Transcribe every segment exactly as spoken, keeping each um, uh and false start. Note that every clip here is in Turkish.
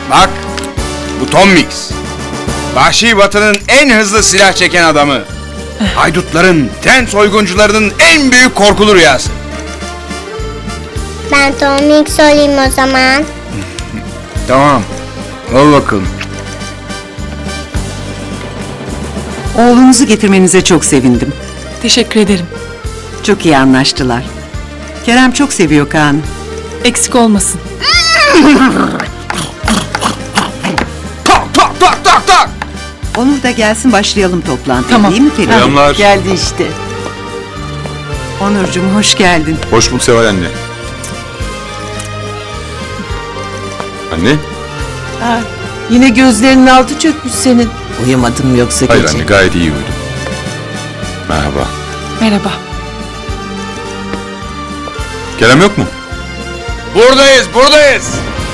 Bak, bu Tom Mix. Vahşi Batı'nın en hızlı silah çeken adamı. Haydutların, tren soyguncularının en büyük korkulu rüyası. Ben Tom Mix olayım o zaman. Tamam, ol bakalım. Oğlunuzu getirmenize çok sevindim. Teşekkür ederim. Çok iyi anlaştılar. Kerem çok seviyor Kaan'ı. Eksik olmasın. Tak tak tak tak tak! Onur da gelsin başlayalım toplantıya, Tamam. değil mi Kerem? Selamlar. Geldi işte. Onurcuğum hoş geldin. Hoş bulduk Seval anne. Anne? Ha, yine gözlerinin altı çökmüş senin. Uyumadın mı yoksa Hayır gece? anne, gayet iyi uyudum. Merhaba. Merhaba. Kerem yok mu? Buradayız, buradayız.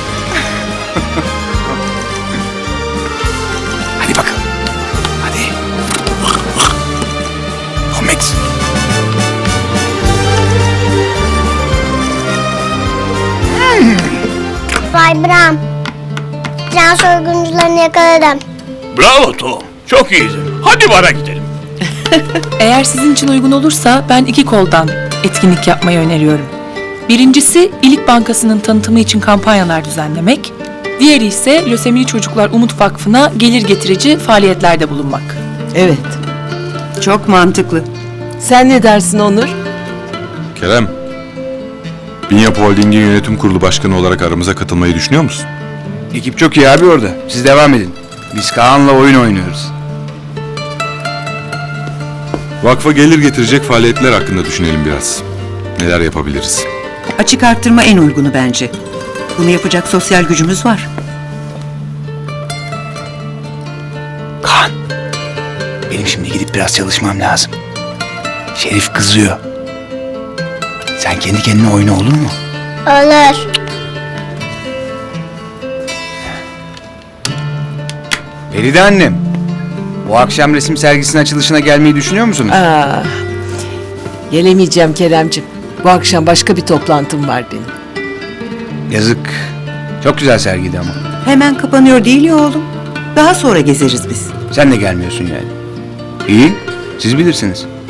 Hadi bakalım. Hadi. Tom Mix. Vay Bram. Tren soyguncularını yakaladım. Bravo Tom. Çok iyiydin. Hadi bara gidelim. Eğer sizin için uygun olursa ben iki koldan etkinlik yapmayı öneriyorum. Birincisi İlik Bankası'nın tanıtımı için kampanyalar düzenlemek. Diğeri ise Lösemili Çocuklar Umut Vakfı'na gelir getirici faaliyetlerde bulunmak. Evet. Çok mantıklı. Sen ne dersin Onur? Kerem. Binyap Holding'in yönetim kurulu başkanı olarak aramıza katılmayı düşünüyor musun? Ekip çok iyi abi orada. Siz devam edin. Biz Kaan'la oyun oynuyoruz. Vakfa gelir getirecek faaliyetler hakkında düşünelim biraz. Neler yapabiliriz? Açık arttırma en uygunu bence. Bunu yapacak sosyal gücümüz var. Kaan. Benim şimdi gidip biraz çalışmam lazım. Şerif kızıyor. Sen kendi kendine oyna, olur mu? Olur. Feride annem. Bu akşam resim sergisinin açılışına gelmeyi düşünüyor musunuz? Aa, gelemeyeceğim Keremciğim. Bu akşam başka bir toplantım var benim. Yazık. Çok güzel sergiydi ama. Hemen kapanıyor değil ya oğlum. Daha sonra gezeriz biz. Sen de gelmiyorsun yani. İyi. Siz bilirsiniz.